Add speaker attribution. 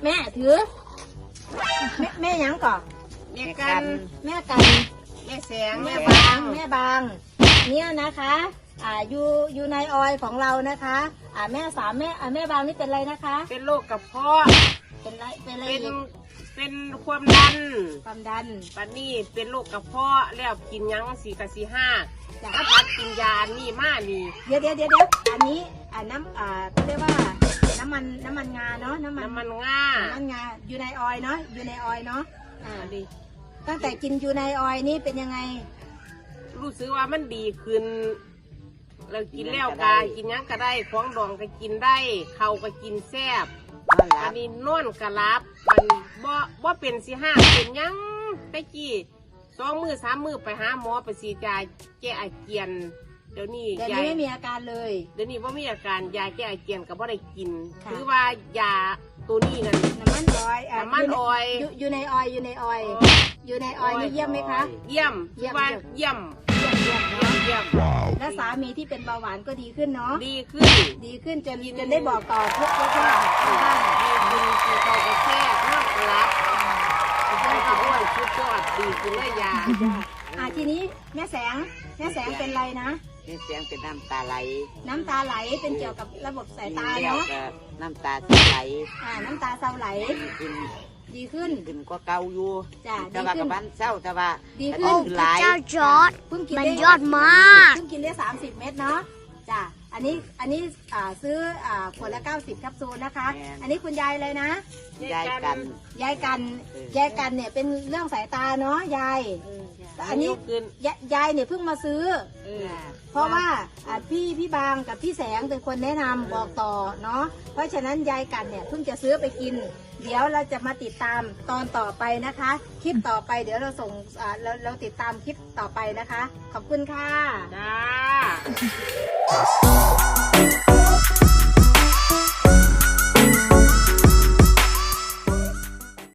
Speaker 1: แม่ถือแม่ยังก่อน
Speaker 2: แม่กัน
Speaker 1: แม่กัน
Speaker 2: แม่แสง
Speaker 1: แม่
Speaker 2: แม่
Speaker 1: บา
Speaker 2: บาง ง
Speaker 1: แม่บางเนี่ยนะคะอยู่ในออยของเรานะคะแม่สามแม่บางนี่เป็นอะไรนะคะ
Speaker 2: เป็นโรคกระเพาะ
Speaker 1: เป็นอะไร
Speaker 2: เป็น
Speaker 1: อีก
Speaker 2: เป็นความดัน
Speaker 1: ความดัน
Speaker 2: ปันนี้เป็นโรคกระเพาะแล้วกินยังสี่กับสี่ห้า
Speaker 1: จ้ะ
Speaker 2: ถ้าพัดกินยาอันนี่มานี่
Speaker 1: เดี๋ยวอันนี้น้ำเขาเรียกว่าน้ำมันงาเนาะน้ำมันงาอยู่ในออยเนาะอยู่ในออยเนาะ
Speaker 2: อันนี้
Speaker 1: ตั้งแต่กินอยู่ในออยนี่เป็นยังไง
Speaker 2: รู้สึกว่ามันดีขึ้นเรากินแล้วกากินยังก็ได้ของดองก็กินได้เขาก็กินแซ่บอันนี้นอนกระลับมันบ่เป็นสิห้าเป็นยังไปกี้2 มื้อ 3 มื้อไปหาหมอไปสีดยาแก้อาเจียนเดี๋ยวนี้
Speaker 1: แต่นี่ไม่มีอาการเลย
Speaker 2: เดี๋ยวนี้ว่ามีอาการยาแก้อาเจียนก็บ่ได้กิน
Speaker 1: ค่ะ
Speaker 2: คือว่ายาตัวนี้นั่น
Speaker 1: น้ำมันออย
Speaker 2: น้ำมันออย
Speaker 1: อยู่ในออยอยู่ในออยอยู่ในออยนี่เยี่ยมไหมคะ
Speaker 2: เยี่ยมคือว่าเยี่ยม
Speaker 1: เยี่ยมเนาะ
Speaker 2: เยี่ยม
Speaker 1: และสามีที่เป็นเบาหวานก็ดีขึ้นเนาะ
Speaker 2: ดีขึ้น
Speaker 1: ดีขึ้นจนได้บอกต่อทุกท่านบ้าน
Speaker 2: ดีขึ้นคือเขาก็แค่นอนกระลับได้ก็อ้วนชุดยอดดีขึ้นเลยยา
Speaker 1: ทีนี้แม่แสงเป็นไรนะ
Speaker 3: นี่เสียงเป็นน้ำตาไหล
Speaker 1: น้ำตาไหลเป็นเกี่ยวกับระบบสายตา
Speaker 3: แล้ว
Speaker 1: เนาะ
Speaker 3: ก็น้ำตาไหล
Speaker 1: น้ำตาเศร้าไหล
Speaker 3: ขึ้น
Speaker 1: ดีขึ้น
Speaker 3: ขึ้นกว่าเก่าอยู่
Speaker 1: จ้ะ
Speaker 3: แต่ว่า
Speaker 1: ดีขึ้
Speaker 3: กับ
Speaker 1: น
Speaker 3: บ้านเศร้าแต่ว่า
Speaker 1: ดีขึ้น
Speaker 3: หลาย
Speaker 4: เจ้าจอร์ด
Speaker 1: เพิ่งกิน
Speaker 4: มัน
Speaker 1: ได้
Speaker 4: ยอดมาก
Speaker 1: เพิ่งกินได้30 เม็ดเนาะจ้ะอันนี้ซื้อขวดละ90แคปซูลนะคะ อันนี้คุณยายเลยนะ
Speaker 3: ยายกัน
Speaker 1: ยายกันเนี่ยเป็นเรื่องสายตาเนาะยายแต่อันนี้
Speaker 2: ขึ้น
Speaker 1: ยายเนี่ยเพิ่งมาซื้อ เพราะว่าพี่บางกับพี่แสงเป็นคนแนะนำบอกต่อเนาะเพราะฉะนั้นยายกันเนี่ยเพิ่งจะซื้อไปกิน เดี๋ยวเราจะมาติดตามตอนต่อไปนะคะ คลิปต่อไปเดี๋ยวเราส่งเราติดตามคลิปต่อไปนะคะ ขอบคุณค่ะ
Speaker 2: จ้า